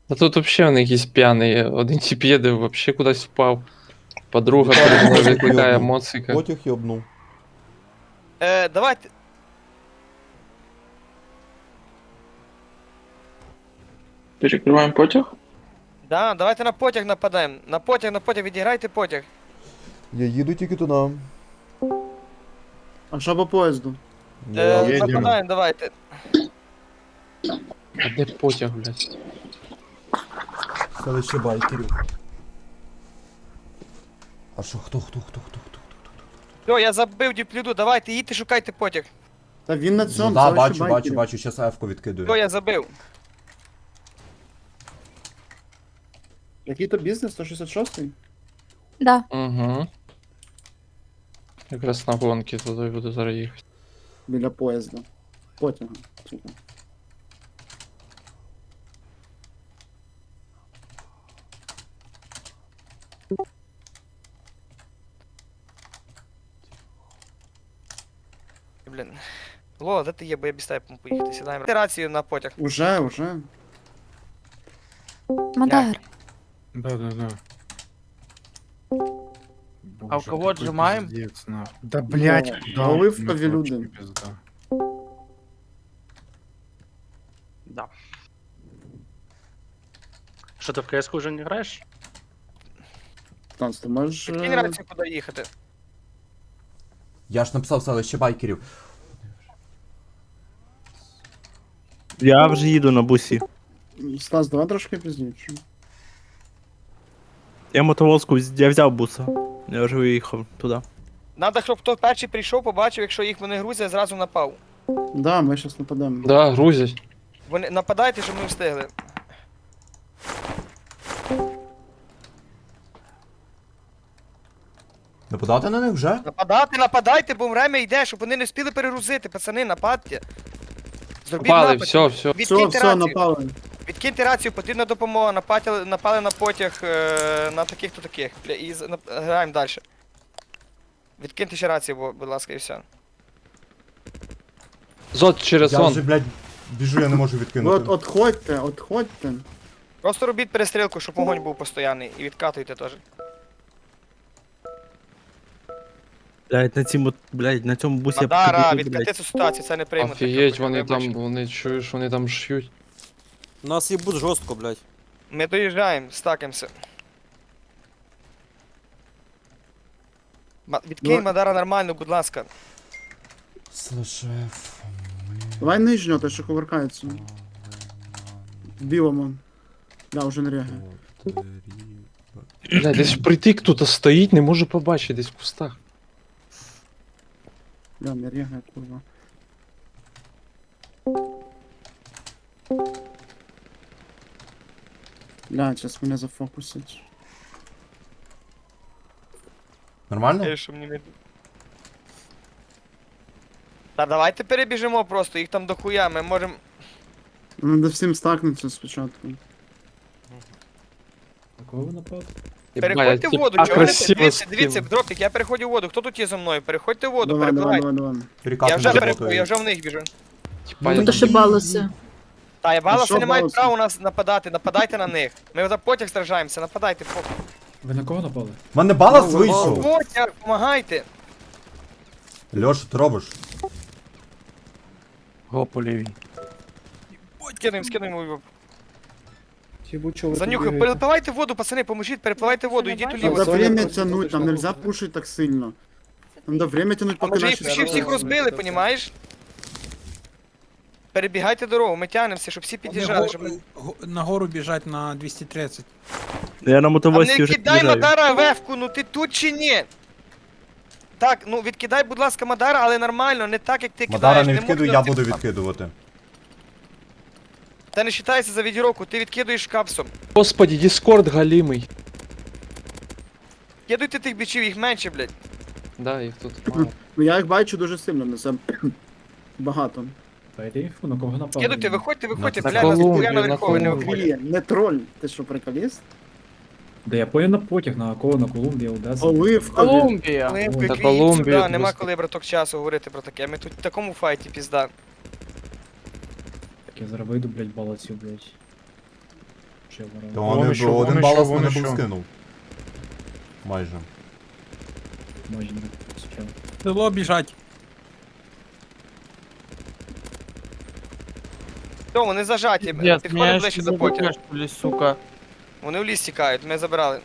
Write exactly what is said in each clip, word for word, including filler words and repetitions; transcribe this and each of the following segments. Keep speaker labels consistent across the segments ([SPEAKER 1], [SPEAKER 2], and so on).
[SPEAKER 1] А тут вообще вони якісь п'яний. Один тип їде, вообще кудись впав. Подруга перед мною викликає моцика.
[SPEAKER 2] Потяг йобнув.
[SPEAKER 3] Е, давайте.
[SPEAKER 4] Перекриваємо потяг?
[SPEAKER 3] Да, давайте на потяг нападаємо. На потяг, на потяг, відіграйте потяг.
[SPEAKER 2] Я їду тільки туди.
[SPEAKER 5] А що по поїзду?
[SPEAKER 3] Е,
[SPEAKER 2] Я-
[SPEAKER 3] нападаємо, давайте.
[SPEAKER 1] А де потяг, блядь?
[SPEAKER 2] Селище байкерів. А що, хто, хто, хто, хто, хто?
[SPEAKER 3] Все, я забив діплюду, давайте, їдьте, шукайте потяг.
[SPEAKER 5] Та він на
[SPEAKER 2] Ну,
[SPEAKER 5] цьому,
[SPEAKER 2] да,
[SPEAKER 5] селище
[SPEAKER 2] бачу, бачу,
[SPEAKER 5] байкерів.
[SPEAKER 2] бачу, щас Ефку відкидую.
[SPEAKER 3] Все, я забив.
[SPEAKER 5] Який то бізнес? сто шістдесят шостий?
[SPEAKER 6] Да.
[SPEAKER 1] Угу. Якраз на гонки туди буду зараз їхати.
[SPEAKER 5] Біля поїзда. Потяга. Сука.
[SPEAKER 3] Блін. Лола, де ти є, бо я без тебе поїхати, сідаємо. Рацію на потяг.
[SPEAKER 5] Уже, уже.
[SPEAKER 6] Мадар.
[SPEAKER 7] Да-да-да.
[SPEAKER 8] А у кого отжимаем?
[SPEAKER 7] Да блять,
[SPEAKER 5] Ну,
[SPEAKER 7] да.
[SPEAKER 5] оливкові
[SPEAKER 7] ну,
[SPEAKER 5] люди.
[SPEAKER 7] вообще пизда.
[SPEAKER 8] Да. Что, ты в кс уже не играешь?
[SPEAKER 5] Танц, ти можеш...
[SPEAKER 3] Підкинь
[SPEAKER 5] е,
[SPEAKER 3] рацію, куди їхати.
[SPEAKER 2] Я ж написав селище байкерів.
[SPEAKER 9] Я вже їду на бусі.
[SPEAKER 5] Стас, давай трошки пізніше.
[SPEAKER 9] Я мотовозку, вз- я взяв буса. Я вже виїхав туди.
[SPEAKER 3] Надо, щоб хто перший прийшов, побачив, якщо їх вони грузять, зразу напав.
[SPEAKER 5] Да, ми щас нападемо.
[SPEAKER 1] Да, грузять.
[SPEAKER 3] Вони нападайте, щоб ми встигли.
[SPEAKER 2] Нападати на них вже?
[SPEAKER 3] Нападати, нападайте, бо время йде, щоб вони не встигли перегрузити. Пацани, нападьте. Зробіть
[SPEAKER 1] Пали,
[SPEAKER 3] напад.
[SPEAKER 1] все, все.
[SPEAKER 5] Все,
[SPEAKER 3] Відкиньте
[SPEAKER 5] все,
[SPEAKER 3] рацію.
[SPEAKER 5] напали.
[SPEAKER 3] Відкиньте рацію, потрібна допомога. Напали, напали на потяг е, на таких-то таких. Бля, і з- нап- граємо далі. Відкиньте ще рацію, бо- будь ласка, і все.
[SPEAKER 1] Зод через
[SPEAKER 2] Я
[SPEAKER 1] сон.
[SPEAKER 2] вже, блядь, біжу, я не можу
[SPEAKER 5] Ви
[SPEAKER 2] відкинути.
[SPEAKER 5] от, отходьте, отходьте.
[SPEAKER 3] Просто робіть перестрілку, щоб вогонь був постійний. І відкатуйте теж.
[SPEAKER 9] Блять, на цьому, блять, на цьому бусі
[SPEAKER 3] Мадара,
[SPEAKER 9] покажу,
[SPEAKER 3] відкати
[SPEAKER 9] блядь.
[SPEAKER 3] цю ситуацію, це не приймуть.
[SPEAKER 1] Офігеть, вони там, вони чуєш, вони там ш'ють.
[SPEAKER 10] Нас їбуть жорстко, блядь.
[SPEAKER 3] Ми доїжджаємо, стакаємося. Ма- Відкинь
[SPEAKER 5] Ну-
[SPEAKER 3] Мадара нормально, будь ласка.
[SPEAKER 2] Селище Еф.
[SPEAKER 5] Давай нижнього, те, що кувыркається. В білому. Да, вже не рягає.
[SPEAKER 1] Бля, десь притик тут стоїть, не можу побачити, десь в кустах.
[SPEAKER 5] Да, не рягає, курва. Бля, зараз мене зафокусять.
[SPEAKER 2] Нормально?
[SPEAKER 3] Е, що мені не- Та давайте перебіжимо просто, їх там дохуя, ми можемо.
[SPEAKER 5] Надо всім стакнутися спочатку.
[SPEAKER 3] Переходьте в воду, чого ви не дивіться, дивіться, дропік, я переходжу в воду. Хто тут є зі мною? Переходьте в воду,
[SPEAKER 5] Давай, давай,
[SPEAKER 3] перепливайте.
[SPEAKER 5] давай, давай.
[SPEAKER 3] Я
[SPEAKER 2] Перекати
[SPEAKER 3] вже
[SPEAKER 2] не
[SPEAKER 3] переходжу, я
[SPEAKER 2] работаю.
[SPEAKER 3] вже в них біжу.
[SPEAKER 1] Типа, я
[SPEAKER 5] Ну,
[SPEAKER 1] там-
[SPEAKER 5] ще
[SPEAKER 6] балоси.
[SPEAKER 3] Та, я баласи
[SPEAKER 5] що
[SPEAKER 3] не мають
[SPEAKER 5] баласи?
[SPEAKER 3] права у нас нападати, нападайте на них. Ми за потяг стражаємося, нападайте. по-
[SPEAKER 7] Ви на кого напали?
[SPEAKER 2] У мене балас
[SPEAKER 5] Ну,
[SPEAKER 2] вийшов.
[SPEAKER 3] Потяг, помагайте.
[SPEAKER 2] Льош, що ти робиш?
[SPEAKER 9] Го по лівій.
[SPEAKER 3] Скинуємо, скинуємо. Занюхай, перепливайте воду, пацани, поможіть, перепливайте воду, йдіть уліво.
[SPEAKER 5] Надо время тянуть, там нельзя пушить так сильно. Надо время тянуть,
[SPEAKER 3] А
[SPEAKER 5] поки
[SPEAKER 3] може
[SPEAKER 5] наші...
[SPEAKER 3] їх всі всіх розбили, понімаєш? Перебігайте дорогу, ми тягнемося, щоб всі під'їжджали, щоб ми...
[SPEAKER 7] Нагору біжать на двісті тридцять.
[SPEAKER 9] Я на
[SPEAKER 3] А
[SPEAKER 9] мотовозці
[SPEAKER 3] не
[SPEAKER 9] вже
[SPEAKER 3] кидай
[SPEAKER 9] під'їжджаю.
[SPEAKER 3] Мадара вевку, ну ти тут чи ні? Так, ну відкидай, будь ласка, Мадара, але нормально, не так, як ти
[SPEAKER 2] Мадара
[SPEAKER 3] кидаєш.
[SPEAKER 2] не
[SPEAKER 3] можна
[SPEAKER 2] відкидуй, я
[SPEAKER 3] ти-
[SPEAKER 2] буду відкидувати.
[SPEAKER 3] Та не вважається за відіровку, ти відкидуєш капсом.
[SPEAKER 1] Господи, Діскорд галімий.
[SPEAKER 3] Кидуйте тих бічів, їх менше, блядь.
[SPEAKER 1] Да, їх тут мало.
[SPEAKER 5] Ну я їх бачу дуже сильно, на це багато.
[SPEAKER 3] Кидуйте, виходьте, виходьте,
[SPEAKER 1] На
[SPEAKER 3] блядь, нас
[SPEAKER 1] Колумбію,
[SPEAKER 3] ніхуя
[SPEAKER 1] на
[SPEAKER 3] наверху не
[SPEAKER 1] Колумбію.
[SPEAKER 3] виходять.
[SPEAKER 5] Блін, не троль, ти що, приколіст?
[SPEAKER 7] Да я понял на потяг, на кого на Колумбії, Одеса.
[SPEAKER 5] Оливкові.
[SPEAKER 8] Колумбия.
[SPEAKER 3] Олимпик,
[SPEAKER 1] Та
[SPEAKER 3] їдь
[SPEAKER 1] Колумбію
[SPEAKER 3] сюди, нема
[SPEAKER 1] просто.
[SPEAKER 3] коли, браток, часу говорити про таке. Ми тут в такому файті, пізда.
[SPEAKER 7] Так я зараз вийду, блядь, балацю, блядь. Ще ворона.
[SPEAKER 2] То
[SPEAKER 6] Вон
[SPEAKER 2] вони,
[SPEAKER 6] іще,
[SPEAKER 2] б-
[SPEAKER 6] вон
[SPEAKER 2] один
[SPEAKER 6] іще,
[SPEAKER 2] балас
[SPEAKER 6] вон
[SPEAKER 2] мене був
[SPEAKER 6] іще.
[SPEAKER 2] скинув. Майже.
[SPEAKER 7] Майже не сучав.
[SPEAKER 6] Село біжать.
[SPEAKER 3] Все, вони зажаті.
[SPEAKER 8] Пиздец,
[SPEAKER 3] Підходимо
[SPEAKER 8] меня
[SPEAKER 3] ближче
[SPEAKER 8] еще
[SPEAKER 3] до потяга.
[SPEAKER 8] забудешь, что ли, сука.
[SPEAKER 3] Вони в ліс тікають, ми забирали.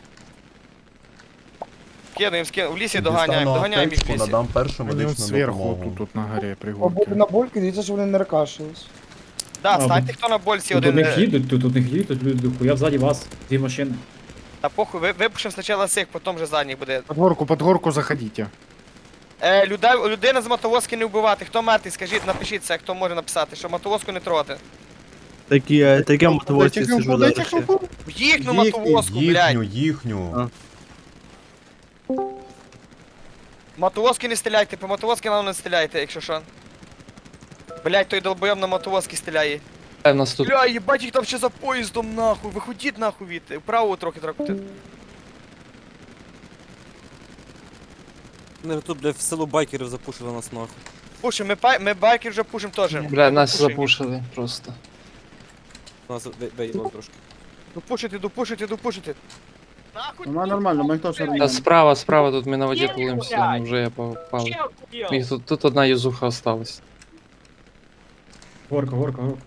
[SPEAKER 3] Кидаємо, скидаємо. В лісі доганяємо,
[SPEAKER 2] Дістану
[SPEAKER 3] доганяємо їх в
[SPEAKER 2] аптечку,
[SPEAKER 3] лісі.
[SPEAKER 2] надам першу
[SPEAKER 6] Вони
[SPEAKER 2] медичну
[SPEAKER 6] зверху,
[SPEAKER 2] допомогу.
[SPEAKER 6] тут, тут на горі
[SPEAKER 11] Побули
[SPEAKER 6] пригорки.
[SPEAKER 11] на больки, дивіться, що вони не ракашились.
[SPEAKER 3] Да,
[SPEAKER 7] А,
[SPEAKER 3] станьте хто на больці
[SPEAKER 7] Тут у
[SPEAKER 3] один.
[SPEAKER 7] них
[SPEAKER 3] е,
[SPEAKER 7] їдуть, тут у них їдуть, люди дохуя ззаді вас. Дві машини.
[SPEAKER 3] Та похуй, ви- випушимо спочатку цих, потім вже задніх буде.
[SPEAKER 6] Под горку, под горку заходите.
[SPEAKER 3] Е, людей, людина з мотовозки не вбивати. Хто мертвий, скажіть, напишіть це, хто може написати, що мотовозку не трогати.
[SPEAKER 9] Такі, е, таке мотивації
[SPEAKER 11] Дайте
[SPEAKER 9] сижу
[SPEAKER 11] дайте
[SPEAKER 9] зараз. ще.
[SPEAKER 11] хлопу.
[SPEAKER 3] В їхню
[SPEAKER 5] Їхній,
[SPEAKER 3] мотовозку, блядь.
[SPEAKER 2] Їхню, їхню.
[SPEAKER 9] А.
[SPEAKER 3] Мотовозки не стріляйте, по мотовозки нам не стріляйте, якщо що. Блядь, той долбойом на мотовозки стріляє.
[SPEAKER 1] Е, У нас тут
[SPEAKER 3] Бля, їбать, їх там ще за поїздом, нахуй. Виходіть нахуй від. Вправо трохи трохи.
[SPEAKER 10] Вони тут, блядь, в село байкерів запушили нас нахуй.
[SPEAKER 3] Пушим, ми, пай- ми байкер вже пушим теж.
[SPEAKER 1] бля, нас
[SPEAKER 3] Пушим.
[SPEAKER 1] запушили просто.
[SPEAKER 10] Нас виїло трошки.
[SPEAKER 3] Допушити, допушити, допушити. Нахуй.
[SPEAKER 5] Ну, нормально, ми теж
[SPEAKER 1] Та
[SPEAKER 5] нормально.
[SPEAKER 1] справа, справа, тут ми на воді тулимося, ну вже я попав. Їх тут, тут одна юзуха осталась.
[SPEAKER 7] Горка, горка, горка.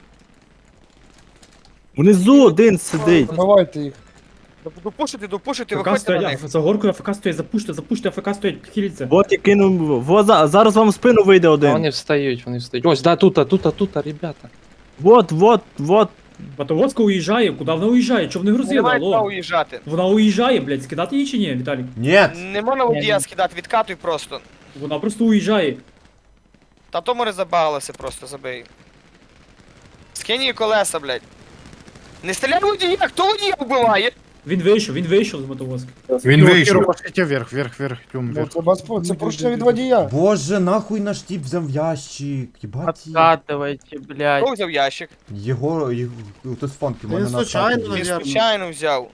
[SPEAKER 9] Внизу один сидить.
[SPEAKER 11] Забивайте їх.
[SPEAKER 3] Допушити, допушити,
[SPEAKER 7] ФК
[SPEAKER 3] виходьте на
[SPEAKER 7] стоять,
[SPEAKER 3] них.
[SPEAKER 7] за горкою АФК стоять, запуште, запуште, АФК стоять, хіліться.
[SPEAKER 9] Вот я кинув. Во, за- зараз вам в спину вийде
[SPEAKER 1] А
[SPEAKER 9] один.
[SPEAKER 1] вони встають, вони встають. Ось, да, тут, тут, тут, ребята.
[SPEAKER 9] Вот, вот, вот.
[SPEAKER 7] Мотовозка уїжджає, куди вона уїжджає? Чого вони
[SPEAKER 3] Не
[SPEAKER 7] грузили,
[SPEAKER 3] мають права
[SPEAKER 7] алло?
[SPEAKER 3] уїжджати.
[SPEAKER 7] Вона уїжджає, блядь, скидати її чи ні, Віталік?
[SPEAKER 2] Ні!
[SPEAKER 3] Не можна водія скидати, відкатуй просто.
[SPEAKER 7] Вона просто уїжджає.
[SPEAKER 3] Та то море забагалося просто, забий. Скинь її колеса, блядь. Не стріляй в водія, хто водія вбиває?
[SPEAKER 7] Він вийшов, він вийшов з мотовозки.
[SPEAKER 6] Він вийшов. Пошлите вверх, вверх, вверх, тюм,
[SPEAKER 11] Ну,
[SPEAKER 6] вверх.
[SPEAKER 11] це бас- це порушення від водія.
[SPEAKER 2] Боже, нахуй наш тіп взяв ящик. Єбать.
[SPEAKER 8] Откатывайте, блядь.
[SPEAKER 3] Хто взяв ящик?
[SPEAKER 2] Його, його, хтось з фонки, в мене
[SPEAKER 5] Він
[SPEAKER 2] на
[SPEAKER 5] случайно,
[SPEAKER 2] статі.
[SPEAKER 3] Він
[SPEAKER 5] Наверно.
[SPEAKER 3] случайно взяв.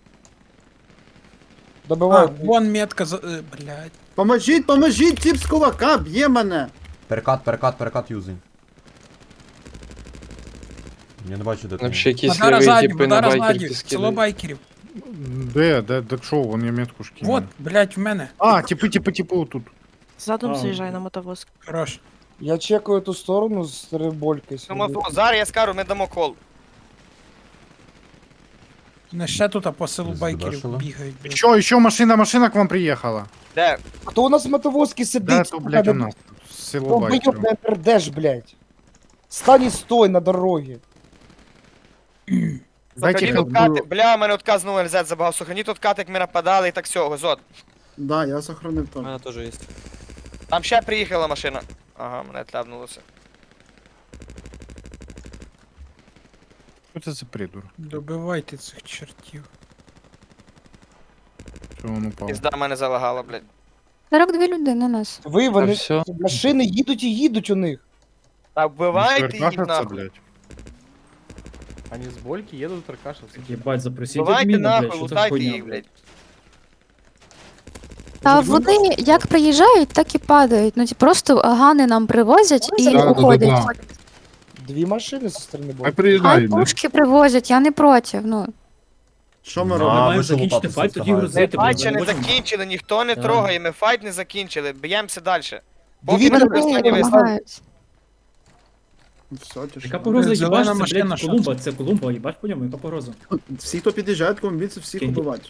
[SPEAKER 11] Добивають.
[SPEAKER 6] вон метка, за... е, блядь.
[SPEAKER 5] Поможіть, поможіть, тіп з кулака, б'є мене.
[SPEAKER 2] Перекат, перекат, перекат юзень. Я не бачу, де ти.
[SPEAKER 1] Вообще якісь ліві типи на байкерки
[SPEAKER 6] село
[SPEAKER 1] скидають.
[SPEAKER 6] байкерів. Де, де, де, що, вон я метку ж кинув. Вот, блядь, в мене. А, типи, типи, типи, тут.
[SPEAKER 7] Задом А, заїжджай
[SPEAKER 6] на мотовозку. Хорош.
[SPEAKER 11] Я чекаю ту сторону з рибольки.
[SPEAKER 3] Тому то, зараз я скажу, ми дамо кол.
[SPEAKER 6] Не ще тут, а по селу
[SPEAKER 2] байкерів Здебешило.
[SPEAKER 6] бігають. Що, ще машина, машина к вам приїхала.
[SPEAKER 3] Де?
[SPEAKER 11] Хто у нас в мотовозці сидить?
[SPEAKER 6] Да, то, блядь, у нас тут село
[SPEAKER 11] Хто
[SPEAKER 6] байкерів.
[SPEAKER 11] вийоб не пердеш, блядь. Стань і стой на дорогі.
[SPEAKER 6] Дайте
[SPEAKER 3] Сохраніть
[SPEAKER 6] хелп.
[SPEAKER 3] откати. Бля, мене отказ знову ел зет забагав. Сохраніть откати, як ми нападали і так всього, зод.
[SPEAKER 5] Да, я сохранив
[SPEAKER 10] У
[SPEAKER 5] то.
[SPEAKER 10] мене теж є.
[SPEAKER 3] Там ще приїхала машина. Ага, мене тляпнулося.
[SPEAKER 6] Що це за придур? Добивайте цих чертів. Що він упав?
[SPEAKER 3] Пізда мене залагала, блядь.
[SPEAKER 12] сорок дві людини на нас.
[SPEAKER 11] Ви,
[SPEAKER 1] Та
[SPEAKER 11] вони,
[SPEAKER 1] все.
[SPEAKER 11] машини їдуть і їдуть у них.
[SPEAKER 3] Та вбивайте їх
[SPEAKER 6] Кашаться,
[SPEAKER 3] нахуй.
[SPEAKER 6] блядь.
[SPEAKER 10] Вони з больки їдуть тракашаться.
[SPEAKER 7] Єбать, запросіть
[SPEAKER 3] Вбивайте
[SPEAKER 7] адміна, блядь,
[SPEAKER 3] нахуй,
[SPEAKER 7] що це
[SPEAKER 3] лутайте
[SPEAKER 7] хуйня,
[SPEAKER 3] їх, блядь.
[SPEAKER 12] Та вони як приїжджають, так і падають. Ну ті просто гани нам привозять і
[SPEAKER 6] Да, да,
[SPEAKER 12] уходять.
[SPEAKER 6] да,
[SPEAKER 11] Дві машини зі сторони
[SPEAKER 6] Хай
[SPEAKER 11] боку.
[SPEAKER 12] Хай
[SPEAKER 6] приїжджають, блядь.
[SPEAKER 12] пушки привозять, я не проти. Ну,
[SPEAKER 5] Що ми
[SPEAKER 2] На,
[SPEAKER 7] Ми
[SPEAKER 5] робимо?
[SPEAKER 7] маємо
[SPEAKER 2] ви
[SPEAKER 7] закінчити
[SPEAKER 2] лутатися
[SPEAKER 7] файт, тоді
[SPEAKER 2] встигаєте.
[SPEAKER 3] Ми
[SPEAKER 7] грузити.
[SPEAKER 3] файт
[SPEAKER 7] блядь,
[SPEAKER 3] ще
[SPEAKER 7] ми
[SPEAKER 3] не
[SPEAKER 7] можемо.
[SPEAKER 3] закінчили, ніхто не
[SPEAKER 7] Так.
[SPEAKER 3] трогає, ми файт не закінчили, б'ємося далі. Поки
[SPEAKER 11] Дивіться,
[SPEAKER 3] не
[SPEAKER 11] вони
[SPEAKER 3] останній вистріл.
[SPEAKER 12] допомагають.
[SPEAKER 5] Все,
[SPEAKER 7] Яка
[SPEAKER 5] тишина.
[SPEAKER 7] погроза,
[SPEAKER 6] Зелена
[SPEAKER 7] їбаш, це,
[SPEAKER 6] машина,
[SPEAKER 7] блядь,
[SPEAKER 6] що
[SPEAKER 7] Колумба, це Колумба, їбаш по ньому, яка погроза?
[SPEAKER 5] Всі, хто під'їжджають, комбіці, всіх
[SPEAKER 7] Кінь.
[SPEAKER 5] убивати.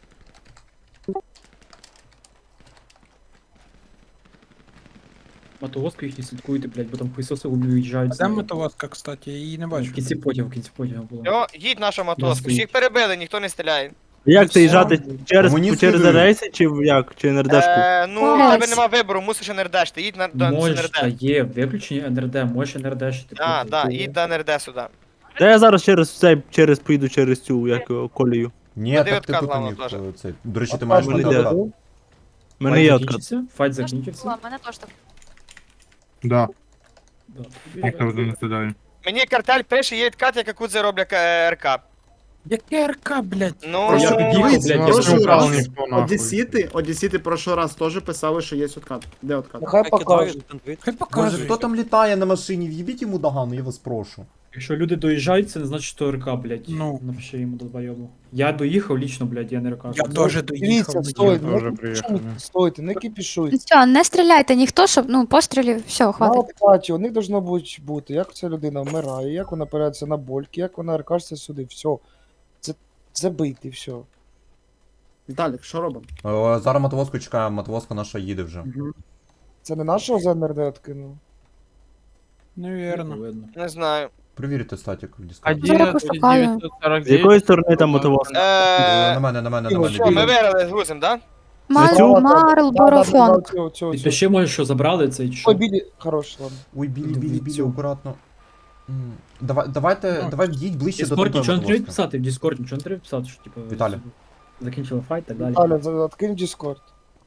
[SPEAKER 7] Мотовозку їх не слідкуйте, блядь, бо там хуйсоси уїжджають. з нею.
[SPEAKER 6] мотовозка, кстати, я її не
[SPEAKER 7] В кінці потягу, в кінці потягу було.
[SPEAKER 3] Йо, їдь наша мотоска.
[SPEAKER 7] стоїть.
[SPEAKER 3] Всіх перебили, ніхто не стріляє.
[SPEAKER 9] Як це їжджати через,
[SPEAKER 2] Комуніст
[SPEAKER 9] через
[SPEAKER 2] слідує.
[SPEAKER 9] рейси чи в- як? Чи НРДшку?
[SPEAKER 3] Е, ну, у
[SPEAKER 12] Ось.
[SPEAKER 3] тебе нема вибору, мусиш ен ер дешти. Їдь на, до
[SPEAKER 7] Можеш, та
[SPEAKER 3] ен ер де.
[SPEAKER 7] є виключення ен ер де, можеш ен ер де шити.
[SPEAKER 3] А, да, їдь до ен ер де сюди.
[SPEAKER 9] Та я зараз через цей, через поїду через цю, як його, колію.
[SPEAKER 2] Ні,
[SPEAKER 3] Води
[SPEAKER 2] так ти
[SPEAKER 3] відкат
[SPEAKER 2] тут
[SPEAKER 3] главное
[SPEAKER 2] міг
[SPEAKER 3] теж.
[SPEAKER 2] е, цей. До речі, ти
[SPEAKER 11] А
[SPEAKER 2] маєш
[SPEAKER 11] там
[SPEAKER 9] мене
[SPEAKER 2] бути
[SPEAKER 9] йде.
[SPEAKER 2] откат.
[SPEAKER 9] У мене є откат.
[SPEAKER 7] Файт закінчився.
[SPEAKER 12] мене теж так.
[SPEAKER 6] Да,
[SPEAKER 7] Да.
[SPEAKER 6] ніхто вже не сідає.
[SPEAKER 3] Мені картель пише, є відкат, як Акудзе роблять е, РК.
[SPEAKER 6] Яке РК, блядь?
[SPEAKER 3] Ну,
[SPEAKER 7] Я під'їхав,
[SPEAKER 5] Дивіться,
[SPEAKER 7] блядь, я
[SPEAKER 5] прошлий
[SPEAKER 7] вже
[SPEAKER 5] раз
[SPEAKER 6] ніхто, нахуй.
[SPEAKER 5] Одесіти, Одесіти прошлий раз теж писали, що є откат. Де откат?
[SPEAKER 11] Нехай покажуть.
[SPEAKER 6] Хай
[SPEAKER 2] Боже,
[SPEAKER 6] покажуть.
[SPEAKER 2] хто там літає на машині? В'їбіть йому догану, я вас прошу.
[SPEAKER 7] Якщо люди доїжджають, це не значить, що РК, блядь.
[SPEAKER 6] Ну.
[SPEAKER 7] Напиши йому долбойому. Я доїхав лічно, блядь, я не РК.
[SPEAKER 11] Дивіться, стойте,
[SPEAKER 6] Тоже
[SPEAKER 11] не
[SPEAKER 6] приїхав,
[SPEAKER 11] кипішуйте, стойте, не кипішуйте.
[SPEAKER 12] Все, не стріляйте ніхто, щоб ну пострілів, все,
[SPEAKER 11] На
[SPEAKER 12] хватить.
[SPEAKER 11] оплаті, у них должно бути, бути, як ця людина вмирає, як вона опирається на больки, як вона ркашся сюди, все. Це забити, все.
[SPEAKER 5] Віталік, що робимо?
[SPEAKER 2] О, зараз мотовозку чекаємо, мотовозка наша їде вже.
[SPEAKER 11] Це не нашого ЗНРД откинуло?
[SPEAKER 6] Навірно.
[SPEAKER 7] Видно.
[SPEAKER 3] Не знаю.
[SPEAKER 2] Провірте статік в Discord.
[SPEAKER 12] Зараз пошукаю.
[SPEAKER 9] З якої сторони там мотовоз?
[SPEAKER 2] Е,
[SPEAKER 3] Е,
[SPEAKER 2] На мене, на мене, на мене.
[SPEAKER 3] Що, ми
[SPEAKER 2] біля.
[SPEAKER 3] виграли з грузом, да?
[SPEAKER 12] Марл, Марл, Борофон.
[SPEAKER 7] Підпиши, може, що забрали цей чи що.
[SPEAKER 11] Ой, білі, хорош, ладно.
[SPEAKER 2] Ой, білі, білі, білі,
[SPEAKER 11] Дивіться.
[SPEAKER 2] акуратно. М, Давай, давайте, давай їдь ближче до
[SPEAKER 7] Дискорд
[SPEAKER 2] того
[SPEAKER 7] нічого не треба
[SPEAKER 2] мотовозка.
[SPEAKER 7] писати, в Дискорд нічого не треба писати, що типу.
[SPEAKER 2] Віталій.
[SPEAKER 7] Закінчили файт і так далі.
[SPEAKER 11] Аля, за- откинь Discord.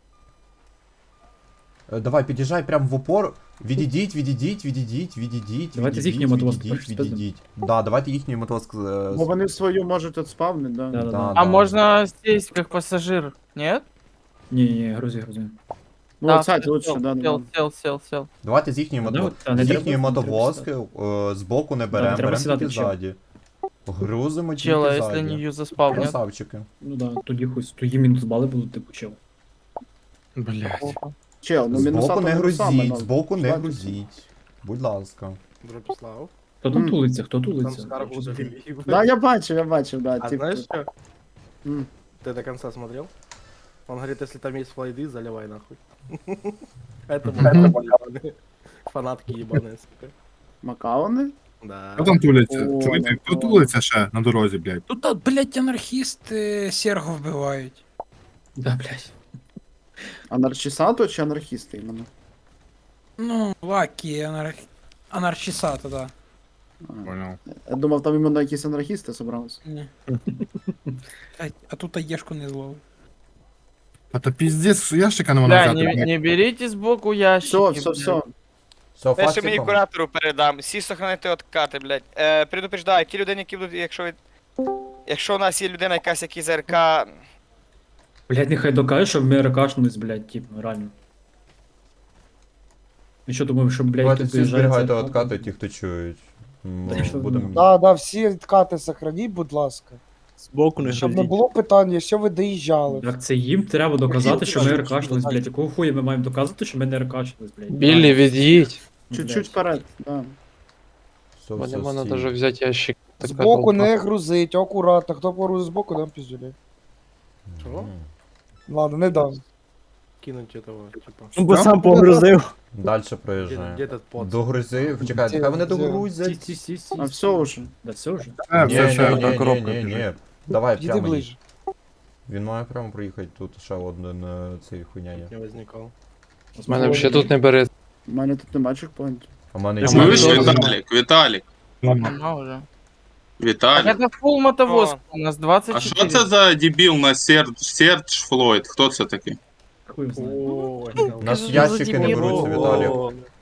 [SPEAKER 2] Е, Давай, під'їжджай прямо в упор. Відійдіть, відійдіть, відійдіть, відійдіть.
[SPEAKER 7] Давайте з
[SPEAKER 2] відійдіть,
[SPEAKER 7] їхньої мотовозки
[SPEAKER 2] відійдіть,
[SPEAKER 7] перші спиздимо.
[SPEAKER 2] відійдіть. Да, давайте їхній мотовозк. е,
[SPEAKER 5] Бо вони свою можуть от спавнити, да?
[SPEAKER 7] Да, да,
[SPEAKER 2] Да,
[SPEAKER 7] да.
[SPEAKER 8] А
[SPEAKER 2] да.
[SPEAKER 8] можно сесть как пассажир, нет?
[SPEAKER 7] Ні, ні, грузи, грузи.
[SPEAKER 5] Ну,
[SPEAKER 8] Да,
[SPEAKER 5] от сайт
[SPEAKER 8] сел,
[SPEAKER 5] лучше, да, да.
[SPEAKER 8] Сел, сел, сел, сел.
[SPEAKER 2] Давайте з їхньої
[SPEAKER 7] Да,
[SPEAKER 2] мото...
[SPEAKER 7] от, та, не
[SPEAKER 2] з
[SPEAKER 7] треба-
[SPEAKER 2] їхньої
[SPEAKER 7] не треба
[SPEAKER 2] мотовозки е, збоку не беремо,
[SPEAKER 7] треба
[SPEAKER 2] беремо
[SPEAKER 7] сідати
[SPEAKER 2] тільки
[SPEAKER 7] в чел.
[SPEAKER 2] ззаді. Грузимо тільки
[SPEAKER 8] Чела, если не
[SPEAKER 2] ззаді.
[SPEAKER 8] юза спал, нет?
[SPEAKER 2] Красавчики.
[SPEAKER 7] Ну да, тоді хоч тоді мінус бали будуть, типу, чел.
[SPEAKER 6] Блядь.
[SPEAKER 5] Чел, ну мінуса
[SPEAKER 2] Збоку не
[SPEAKER 5] то саме,
[SPEAKER 2] грузіть,
[SPEAKER 5] ну.
[SPEAKER 2] збоку не
[SPEAKER 5] Славі.
[SPEAKER 2] грузіть. Будь ласка.
[SPEAKER 10] Дропслав.
[SPEAKER 7] Хто там
[SPEAKER 5] Мгм.
[SPEAKER 7] тулиться, хто
[SPEAKER 10] Там
[SPEAKER 7] тулиться?
[SPEAKER 10] скаргу завели.
[SPEAKER 5] Да, я бачив, я бачив, да.
[SPEAKER 10] А
[SPEAKER 5] типу.
[SPEAKER 10] знаешь что?
[SPEAKER 5] М.
[SPEAKER 10] Ты до конца смотрел? Он говорит, если там есть флайды, заливай нахуй. Это макаоны. Фанатки ебаные, сука.
[SPEAKER 5] Макаони?
[SPEAKER 10] Да.
[SPEAKER 6] Хто там туляться?
[SPEAKER 5] О,
[SPEAKER 6] Чуєте, хто
[SPEAKER 5] Макаон.
[SPEAKER 6] тулиться ще на дорозі, блядь?
[SPEAKER 13] Тут, блядь, анархісти серго вбивають.
[SPEAKER 7] Да, блядь.
[SPEAKER 5] Анарчісато чи анархісти іменно?
[SPEAKER 13] Ну, лакі, анарх... анархісата, да.
[SPEAKER 6] Понял.
[SPEAKER 5] Я думав, там іменно якісь анархісти зібралися.
[SPEAKER 13] Ні. А, а тут аєшку не зловив.
[SPEAKER 6] А то пиздец, ящика не
[SPEAKER 8] Да,
[SPEAKER 6] можна
[SPEAKER 8] не,
[SPEAKER 6] взяти.
[SPEAKER 8] не берите сбоку ящики.
[SPEAKER 5] Все, все,
[SPEAKER 8] блядь.
[SPEAKER 5] все.
[SPEAKER 2] Все,
[SPEAKER 3] Перше мені
[SPEAKER 2] фастиком.
[SPEAKER 3] куратору передам. Всі сохранити откати, блядь. Е, предупреждаю, ті людини, які будуть, якщо ви... Якщо у нас є людина якась, які з РК...
[SPEAKER 7] Блядь, нехай докаже, щоб ми ракашнулись, блядь, типу, реально. І що думаю, що, блядь,
[SPEAKER 2] Давайте
[SPEAKER 7] тут
[SPEAKER 2] всі
[SPEAKER 7] доїжджає
[SPEAKER 2] зберігайте
[SPEAKER 7] цей
[SPEAKER 2] откати, ті, хто чують. М,
[SPEAKER 7] Та що
[SPEAKER 2] Будемо...
[SPEAKER 11] Да, да, всі відкати сохраніть, будь ласка.
[SPEAKER 9] Збоку не
[SPEAKER 11] Щоб не
[SPEAKER 9] грузіть.
[SPEAKER 11] було питання, що ви доїжджали.
[SPEAKER 7] Так це їм треба доказати, що ми
[SPEAKER 11] Чуть-чуть,
[SPEAKER 7] ракашнулись,
[SPEAKER 11] чуть-чуть.
[SPEAKER 7] блядь. Якого хуя ми маємо доказати, що ми не ракашнулись, блядь?
[SPEAKER 1] Біллі, від'їдь.
[SPEAKER 7] Ну,
[SPEAKER 5] Чуть-чуть
[SPEAKER 7] блядь.
[SPEAKER 5] вперед, да.
[SPEAKER 2] Все,
[SPEAKER 1] Мене
[SPEAKER 2] все,
[SPEAKER 1] можна
[SPEAKER 2] стій.
[SPEAKER 1] даже взяти ящик. Така
[SPEAKER 11] Збоку
[SPEAKER 1] толпа.
[SPEAKER 11] не грузить, акуратно. Хто погрузить збоку, дам піздюлі.
[SPEAKER 10] Чего?
[SPEAKER 11] Ладно, не дам.
[SPEAKER 10] Кинуть этого, типа.
[SPEAKER 9] Ну, бо сам погрузив.
[SPEAKER 2] Дальше
[SPEAKER 10] Где, где
[SPEAKER 2] проїжджаємо.
[SPEAKER 10] этот пот?
[SPEAKER 2] Догрузи, чекайте,
[SPEAKER 11] Де-
[SPEAKER 2] хай вони
[SPEAKER 11] де?
[SPEAKER 7] Сі,
[SPEAKER 2] догрузять.
[SPEAKER 7] сі, сі, сі.
[SPEAKER 5] А все уже.
[SPEAKER 7] Да все вже.
[SPEAKER 6] Е,
[SPEAKER 2] Ні,
[SPEAKER 6] все,
[SPEAKER 2] ні,
[SPEAKER 6] все,
[SPEAKER 2] ні,
[SPEAKER 6] одна
[SPEAKER 2] ні,
[SPEAKER 6] коробка
[SPEAKER 2] ні, ні.
[SPEAKER 6] біжить.
[SPEAKER 2] Давай,
[SPEAKER 11] Іди
[SPEAKER 2] прямо їдь.
[SPEAKER 11] ближче.
[SPEAKER 2] Він має прямо проїхати, тут ще один е, цей хуйня є.
[SPEAKER 10] Не возникал.
[SPEAKER 1] У мене взагалі тут не бере.
[SPEAKER 5] У мене тут нема чекпоінтів.
[SPEAKER 2] А в мене
[SPEAKER 1] Я
[SPEAKER 2] є-
[SPEAKER 1] маю
[SPEAKER 2] Ні,
[SPEAKER 1] дозвіл.
[SPEAKER 14] Віталік, Віталік,
[SPEAKER 8] Она уже.
[SPEAKER 14] Віталік.
[SPEAKER 8] Это full мотовоз.
[SPEAKER 3] О.
[SPEAKER 8] У нас двадцать
[SPEAKER 14] А що це за дебіл на Сердж, Сердж Флойд? Хто це такий?
[SPEAKER 7] Хуй знає.
[SPEAKER 10] Ой,
[SPEAKER 2] У нас
[SPEAKER 12] Кажу,
[SPEAKER 2] ящики не
[SPEAKER 12] Володимир.
[SPEAKER 2] беруться, Віталій.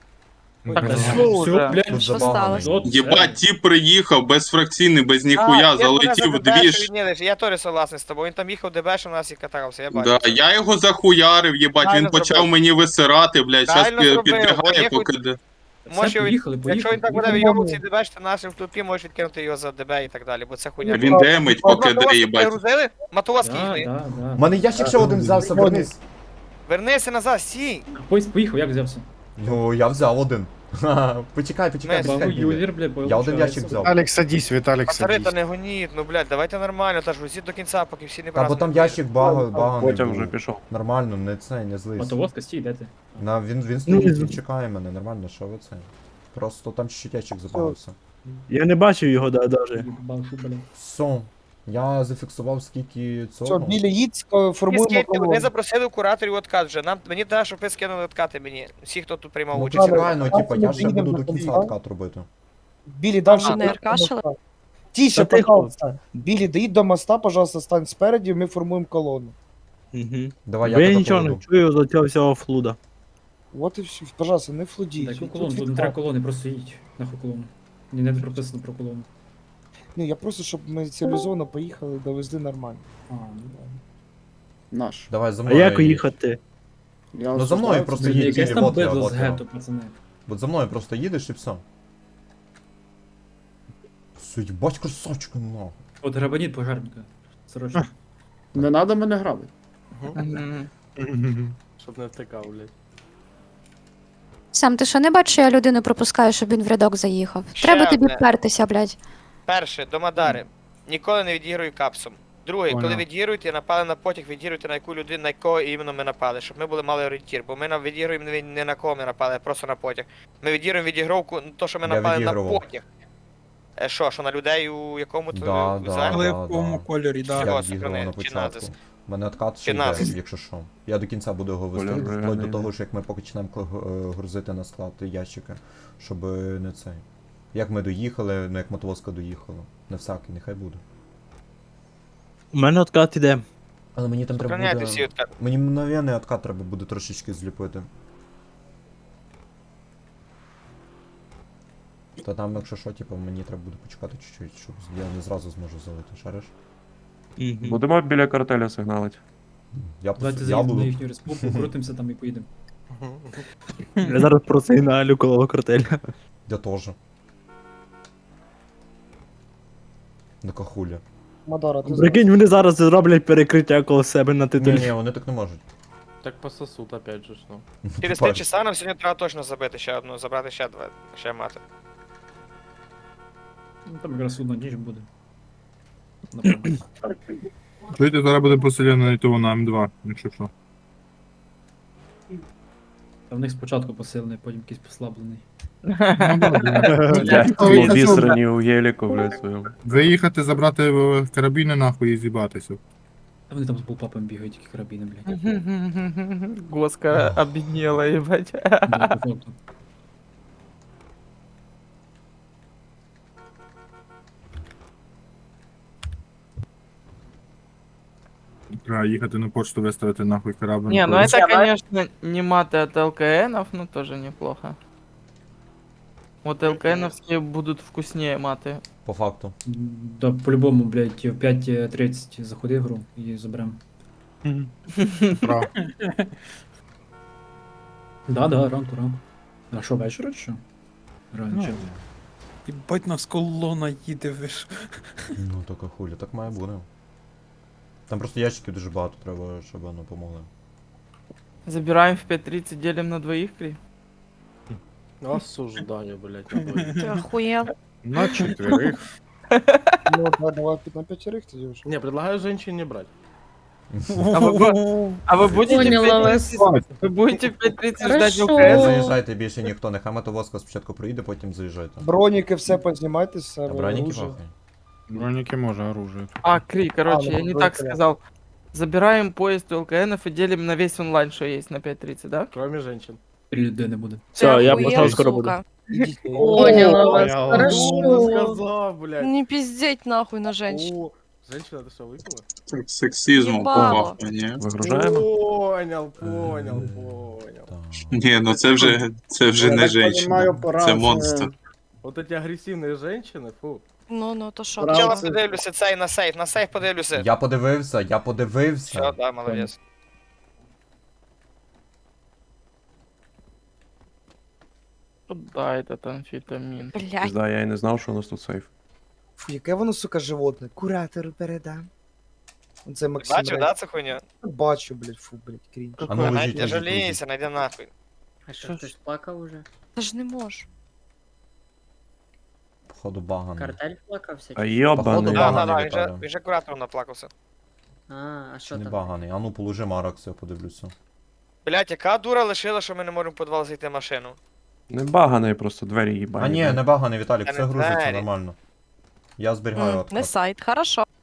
[SPEAKER 8] Так,
[SPEAKER 2] Блін,
[SPEAKER 8] все
[SPEAKER 7] Все,
[SPEAKER 8] уже.
[SPEAKER 7] блядь,
[SPEAKER 2] Тут
[SPEAKER 7] що
[SPEAKER 2] забагано.
[SPEAKER 7] сталося? От
[SPEAKER 14] Єбать, тіп приїхав безфракційний, без
[SPEAKER 3] А,
[SPEAKER 14] ніхуя,
[SPEAKER 3] я
[SPEAKER 14] залетів
[SPEAKER 3] мене
[SPEAKER 14] в
[SPEAKER 3] за
[SPEAKER 14] дві
[SPEAKER 3] ДБ,
[SPEAKER 14] ж.
[SPEAKER 3] що він їде, Я теж согласний з тобою. Він там їхав ДБ, що у нас і катався, я бачу.
[SPEAKER 14] Да, я його захуярив, єбать, він
[SPEAKER 3] Правильно
[SPEAKER 14] почав
[SPEAKER 3] зробив.
[SPEAKER 14] мені висирати, блядь, щас
[SPEAKER 3] Правильно
[SPEAKER 14] пі-
[SPEAKER 3] зробив,
[SPEAKER 14] підбігає,
[SPEAKER 3] вони
[SPEAKER 14] поки де.
[SPEAKER 7] Все,
[SPEAKER 3] Може,
[SPEAKER 7] поїхали, поїхали.
[SPEAKER 3] Якщо він так буде
[SPEAKER 7] поїхали.
[SPEAKER 3] вийобувати ДБ, що нашим в тупі можеш відкинути його за ДБ і так далі, бо це хуйня.
[SPEAKER 14] Він демить, поки де,
[SPEAKER 3] Мотовозки
[SPEAKER 14] їбать.
[SPEAKER 3] перегрузили? Мотовозки
[SPEAKER 7] Да,
[SPEAKER 3] їхали.
[SPEAKER 7] да, да.
[SPEAKER 2] У мене ящик ще один взявся, вернись.
[SPEAKER 3] Вернися назад, стій.
[SPEAKER 7] Поїзд поїхав, як взявся?
[SPEAKER 2] Ну, я взяв один. Ха-ха. Почекай, почекай,
[SPEAKER 3] Ми-
[SPEAKER 7] Багу
[SPEAKER 2] почекай. Білі.
[SPEAKER 7] юзер, блядь,
[SPEAKER 2] Я один
[SPEAKER 7] получається.
[SPEAKER 2] ящик взяв.
[SPEAKER 6] Віталік, садись, Віталік,
[SPEAKER 3] Пацани,
[SPEAKER 6] садись.
[SPEAKER 3] та не гоніть, ну блядь, давайте нормально, та ж грузіть до кінця, поки всі не
[SPEAKER 2] Та бо там
[SPEAKER 3] празднують.
[SPEAKER 2] ящик баго, баго не
[SPEAKER 9] Потім
[SPEAKER 2] був.
[SPEAKER 9] вже пішов.
[SPEAKER 2] Нормально, не це, не злись.
[SPEAKER 7] Мотовозка, стій, де ти?
[SPEAKER 2] На, він, він
[SPEAKER 9] Ну,
[SPEAKER 2] стоїть,
[SPEAKER 9] він-
[SPEAKER 2] він чекає мене, нормально, що ви це? Просто там чуть-чуть ящик забавився.
[SPEAKER 9] Я не бачив його да, даже.
[SPEAKER 7] Бавшу, блядь.
[SPEAKER 2] Все. Я зафіксував скільки
[SPEAKER 11] Все,
[SPEAKER 2] цього.
[SPEAKER 11] біля їдь,
[SPEAKER 3] Ви
[SPEAKER 11] формуємо
[SPEAKER 3] скиньте, Ми
[SPEAKER 11] колону.
[SPEAKER 3] запросили кураторів откат вже. Нам мені треба, щоб ви скинули откати мені. Всі, хто тут приймав
[SPEAKER 2] Ну
[SPEAKER 3] участь.
[SPEAKER 2] почекай, ну типа, я ж
[SPEAKER 11] Їдемо
[SPEAKER 2] буду
[SPEAKER 11] до
[SPEAKER 2] до кінця
[SPEAKER 11] кінця.
[SPEAKER 2] откат робити.
[SPEAKER 11] Білі, далі.
[SPEAKER 12] А, не аркашили?
[SPEAKER 11] Тише,
[SPEAKER 9] Та тихо.
[SPEAKER 11] пожалуйста. Білі, доїдь до моста, пожалуйста, стань спереді, ми формуємо колону.
[SPEAKER 9] Угу.
[SPEAKER 2] Давай,
[SPEAKER 9] Бо
[SPEAKER 2] я
[SPEAKER 9] я
[SPEAKER 2] тебе
[SPEAKER 9] нічого не
[SPEAKER 2] поведу.
[SPEAKER 9] чую за цього всього флуда.
[SPEAKER 11] Вот і все. Пожалуйста, не флудіть.
[SPEAKER 7] Дай
[SPEAKER 11] Тут
[SPEAKER 7] колону, тут не
[SPEAKER 11] відкат.
[SPEAKER 7] треба колони, просто їдь. Нахуй колону. Ні, не прописано про колону.
[SPEAKER 11] Ні, я просто, щоб ми цивілізовано поїхали, довезли нормально.
[SPEAKER 7] А, ну да.
[SPEAKER 5] Наш.
[SPEAKER 2] Давай за
[SPEAKER 9] А
[SPEAKER 2] мною.
[SPEAKER 9] як
[SPEAKER 2] їдь.
[SPEAKER 9] їхати?
[SPEAKER 5] Я
[SPEAKER 2] Ну, за мною
[SPEAKER 5] осуждаю
[SPEAKER 2] просто
[SPEAKER 5] це.
[SPEAKER 2] їдь.
[SPEAKER 7] Якесь
[SPEAKER 2] білі,
[SPEAKER 7] там
[SPEAKER 2] вот я,
[SPEAKER 7] бедло
[SPEAKER 2] вот
[SPEAKER 7] з
[SPEAKER 2] я.
[SPEAKER 7] гетто, пацани.
[SPEAKER 2] От за мною просто їдеш і все. Суть, бать красавчика, нахуй.
[SPEAKER 7] От грабаніть пожарника. Срочно.
[SPEAKER 5] Не треба мене грабити.
[SPEAKER 10] Щоб не втикав, блядь.
[SPEAKER 12] Сам, ти що не бачиш, що я людину пропускаю, щоб він в рядок заїхав?
[SPEAKER 3] Ще
[SPEAKER 12] Треба тобі
[SPEAKER 3] одне.
[SPEAKER 12] впертися, блядь.
[SPEAKER 3] Перше, до Мадари. Ніколи не відігруй капсом. Друге, коли
[SPEAKER 6] Понял.
[SPEAKER 3] відігруєте, напали на потяг, відігруйте на яку людину, на якого іменно ми напали, щоб ми були мали орієнтір. Бо ми на- відігруємо не, не на кого ми напали, а просто на потяг. Ми відігруємо відігровку, ну, то, що ми
[SPEAKER 2] Я
[SPEAKER 3] напали на
[SPEAKER 2] відігрував.
[SPEAKER 3] потяг. Е, Що, що на людей у якому то
[SPEAKER 2] Да, да,
[SPEAKER 3] візуальному?
[SPEAKER 2] да,
[SPEAKER 13] Оливковому
[SPEAKER 2] да.
[SPEAKER 13] кольорі, да.
[SPEAKER 3] Всього
[SPEAKER 2] Я відіграв
[SPEAKER 3] сохрани,
[SPEAKER 2] на
[SPEAKER 3] чи
[SPEAKER 2] початку.
[SPEAKER 3] назис?
[SPEAKER 2] У мене откат ще
[SPEAKER 3] Чи
[SPEAKER 2] йде,
[SPEAKER 3] назис?
[SPEAKER 2] якщо що. Я до кінця буду його вести,
[SPEAKER 1] Кольор
[SPEAKER 2] вплоть до
[SPEAKER 1] не
[SPEAKER 2] того,
[SPEAKER 1] йде.
[SPEAKER 2] що як ми почнемо кл- е, грузити на склад ящики, щоб не цей. Як ми доїхали, ну як мотовозка доїхала. Не всякий, нехай буде.
[SPEAKER 9] У мене откат іде.
[SPEAKER 2] Але мені там треба
[SPEAKER 3] Сохраняйте
[SPEAKER 2] буде...
[SPEAKER 3] всі откати.
[SPEAKER 2] Мені мгновенний откат треба буде трошечки зліпити. Та там, якщо що, типу, мені треба буде почекати чуть-чуть, щоб я не зразу зможу залити, шариш?
[SPEAKER 9] Мгм.
[SPEAKER 1] Будемо біля картеля сигналити.
[SPEAKER 2] Я,
[SPEAKER 7] Давайте
[SPEAKER 2] пос- я
[SPEAKER 7] заїдемо на
[SPEAKER 2] буду.
[SPEAKER 7] їхню республіку, крутимося там і поїдемо.
[SPEAKER 9] Я зараз просигналю коло картеля.
[SPEAKER 2] Я теж. На кахуля.
[SPEAKER 11] Мадара, ти
[SPEAKER 9] Прикинь, вони зараз зроблять перекриття коло себе на
[SPEAKER 2] Ні,
[SPEAKER 9] титулі.
[SPEAKER 2] ні, вони так не можуть.
[SPEAKER 10] Так пососут опять же ж, ну.
[SPEAKER 3] Через три
[SPEAKER 2] Бачиш.
[SPEAKER 3] часа нам сьогодні треба точно забити ще одну, забрати ще два, ще мати.
[SPEAKER 7] Ну, там якраз одна ніч буде. Напевно.
[SPEAKER 14] Чуєте, зараз буде поселено на ТО на М два, якщо що.
[SPEAKER 7] Та в них спочатку посилений, потім якийсь послаблений.
[SPEAKER 1] Обісрані у геліку, блядь, своєму.
[SPEAKER 14] Виїхати, забрати е, карабіни нахуй і з'їбатися.
[SPEAKER 7] Та вони там з булпапом бігають, які карабіни, блядь.
[SPEAKER 8] Госка обеднела, ебать.
[SPEAKER 7] Да, по факту.
[SPEAKER 14] Треба їхати на почту, виставити нахуй корабль.
[SPEAKER 8] Не, ну это, конечно, не маты от ЛКНов, но тоже неплохо. Вот ЛКНовские будут вкуснее маты.
[SPEAKER 2] По факту.
[SPEAKER 7] Да, по-любому, блядь, в п'ять тридцять заходи в гру і заберем.
[SPEAKER 14] Прав.
[SPEAKER 7] Да, да, ранку, ранку. А що, вечора чи що? Реально, чи?
[SPEAKER 13] Єбать нас колона їде, ви ж.
[SPEAKER 2] Ну то кахуля, так має бути. Там просто ящиків дуже багато треба, щоб воно помогли.
[SPEAKER 8] Забираем в пять тридцать, делим на двоих, Кри.
[SPEAKER 10] Осуждаю, блядь, на двоих.
[SPEAKER 12] Ти охуєл?
[SPEAKER 6] На четверих.
[SPEAKER 11] Ну, да, давай на п'ятерих тоді вже.
[SPEAKER 10] Не, предлагаю женщин не брать.
[SPEAKER 8] А вы, бу- а вы будете в
[SPEAKER 12] Поняла
[SPEAKER 8] пять
[SPEAKER 12] вас.
[SPEAKER 8] тридцать вы будете в пять тридцать ждать
[SPEAKER 12] Хорошо.
[SPEAKER 2] Не
[SPEAKER 8] ЛКС?
[SPEAKER 2] заїжджайте більше ніхто, нехай мотовозка спочатку проїде, потім заїжджайте.
[SPEAKER 11] Броніки все познімайте з
[SPEAKER 2] А
[SPEAKER 11] себе.
[SPEAKER 2] броніки
[SPEAKER 11] оружие.
[SPEAKER 2] пахай.
[SPEAKER 6] Броніки може, оружие.
[SPEAKER 8] А, Кри, короче,
[SPEAKER 11] А, ну,
[SPEAKER 8] я не
[SPEAKER 11] вроде
[SPEAKER 8] так
[SPEAKER 11] понятно.
[SPEAKER 8] сказал. Забираем поезд у ЛКНов и делим на весь онлайн, что есть на пять тридцать, да?
[SPEAKER 10] Кроме женщин.
[SPEAKER 7] Три людини буде.
[SPEAKER 9] Все, я пошел скоро буду.
[SPEAKER 11] Поняла
[SPEAKER 10] вас,
[SPEAKER 11] хорошо.
[SPEAKER 10] сказал, блядь.
[SPEAKER 12] Не пиздеть нахуй на
[SPEAKER 10] О, женщина, ты что, выпила?
[SPEAKER 14] Сексизмом
[SPEAKER 12] Єбало.
[SPEAKER 14] попахує, ні?
[SPEAKER 1] Вигружаємо?
[SPEAKER 10] Понял, понял, понял.
[SPEAKER 2] Так.
[SPEAKER 14] Ні, ну це вже, це вже
[SPEAKER 5] Я
[SPEAKER 14] не
[SPEAKER 5] так
[SPEAKER 14] женщина,
[SPEAKER 5] понімаю, пора
[SPEAKER 14] це
[SPEAKER 5] це-
[SPEAKER 14] монстр.
[SPEAKER 10] Вот эти агрессивные женщины, фу.
[SPEAKER 12] Ну, ну, то що?
[SPEAKER 5] Правда.
[SPEAKER 3] Чела подивлюся цей на сейф, на сейф подивлюся.
[SPEAKER 2] Я подивився, я
[SPEAKER 3] Все,
[SPEAKER 2] подивився.
[SPEAKER 3] да, молодець.
[SPEAKER 8] Да, этот амфетамин.
[SPEAKER 12] Блядь.
[SPEAKER 1] Да, я і не знав, що у нас тут сейф.
[SPEAKER 11] Фу, яке воно, сука, животне. Куратору передам. Це Максим.
[SPEAKER 3] Бачив,
[SPEAKER 11] Рей.
[SPEAKER 3] да, це хуйня?
[SPEAKER 11] Бачу, блядь, фу, блядь, крінж.
[SPEAKER 2] А ну лежіть,
[SPEAKER 3] Не
[SPEAKER 2] лежіть,
[SPEAKER 3] жалійся,
[SPEAKER 2] лежіть.
[SPEAKER 3] найди нахуй.
[SPEAKER 7] А що, хтось плакав уже?
[SPEAKER 12] Та ж не можу.
[SPEAKER 2] Походу баганий.
[SPEAKER 7] Картель плакався?
[SPEAKER 1] А
[SPEAKER 2] Походу,
[SPEAKER 1] йобаний.
[SPEAKER 3] Да, да,
[SPEAKER 2] Баганий
[SPEAKER 3] да, він же,
[SPEAKER 2] Віталій.
[SPEAKER 3] він же куратором наплакався.
[SPEAKER 7] А, а
[SPEAKER 2] Чи не баганий? А ну положи Маракс, я подивлюся.
[SPEAKER 3] Блять, яка дура лишила, що ми не можемо в підвал зайти машину?
[SPEAKER 1] Не баганий, просто двері їбані.
[SPEAKER 2] А ні, не баганий, Віталік,
[SPEAKER 3] Та
[SPEAKER 2] все
[SPEAKER 3] не
[SPEAKER 2] грузиться
[SPEAKER 3] двері.
[SPEAKER 2] нормально. Я зберігаю
[SPEAKER 12] М,
[SPEAKER 2] откат.
[SPEAKER 12] Не сайт, хорошо.